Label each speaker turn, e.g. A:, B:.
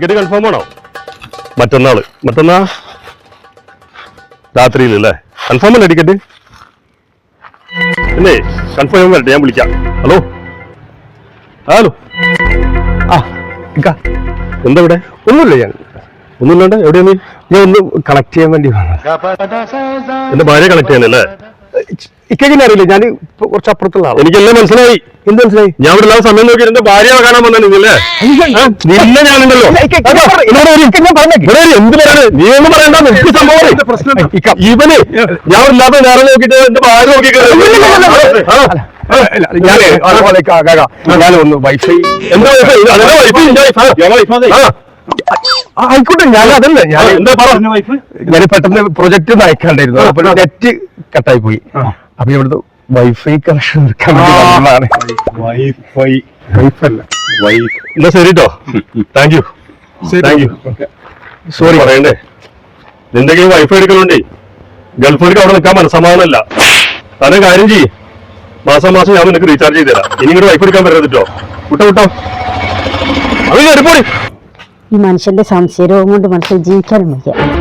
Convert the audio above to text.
A: Ticket confirm ആണോ? മറ്റന്നാ രാത്രിയിലല്ലേ? കൺഫേം അല്ലേ ടിക്കറ്റ്? പിന്നെ കൺഫേം വരട്ടെ, ഞാൻ വിളിക്കാം. ഹലോ എന്താ ഇവിടെ?
B: ഒന്നുമില്ല,
A: ഒന്നുമില്ലാണ്ട് എവിടെയാ നീ?
B: ഞാൻ ഒന്ന് കണക്ട് ചെയ്യാൻ വേണ്ടി
A: എന്റെ ഭാര്യ കണക്ട് ചെയ്യാനല്ലേ?
B: ഇക്കെങ്ങനെ അറിയില്ല, ഞാൻ കുറച്ച് അപ്പുറത്തുള്ള ആളാണ്.
A: എനിക്കെല്ലാം മനസ്സിലായി.
B: എന്ത് മനസ്സിലായി?
A: ഞാൻ ഇവിടെ എല്ലാ സമയം നോക്കി എന്റെ ഭാര്യ കാണാൻ വന്നാ നിങ്ങളല്ലേ? നിന്നെ ഞാനുണ്ടല്ലോ. എന്ത് പറയണേ? നീ ഒന്നും പറയണ്ട. എനിക്ക് സംഭവം ഇവന് ഞാൻ ഇല്ലാത്ത നേരം നോക്കിട്ട് എന്റെ ഭാര്യ നോക്കി
B: ഞാനൊന്ന് വൈഫൈ
A: എന്താ വൈഫൈ?
B: ആയിക്കോട്ടെ, ഞാൻ അതല്ല, ഞാൻ
A: എന്താ പറഞ്ഞു?
B: ഞാൻ പെട്ടെന്ന് പ്രൊജക്ട് അയക്കാണ്ടായിരുന്നു, അപ്പൊ നെറ്റ് കട്ടായി പോയി. അപ്പൊ ഇവിടുത്തെ വൈഫൈ കണക്ഷൻ എടുക്കാൻ വേണ്ടി
A: എന്നാ ശരി കേട്ടോ. Thank you.
B: സോറി
A: പറയണ്ടേ, നിന്റെ കയ്യിൽ വൈഫൈ എടുക്കലുണ്ടേ ഗൾഫിലേക്ക് അവിടെ നിൽക്കാൻ മനസ്സമാധാനമല്ല. തന്നെ കാര്യം ചെയ്യ്, മാസം ഞാൻ നിനക്ക് റീചാർജ് ചെയ്ത് തരാം. ഇനി ഇങ്ങോട്ട് വൈഫൈ എടുക്കാൻ പറ്റരുത് കേട്ടോ. വിട്ടോ അത് കയറിപ്പോടി.
C: ഈ മനുഷ്യന്റെ സംശയരോഗം കൊണ്ട് മനസ്സിൽ ജീവിക്കാനും വയ്യ.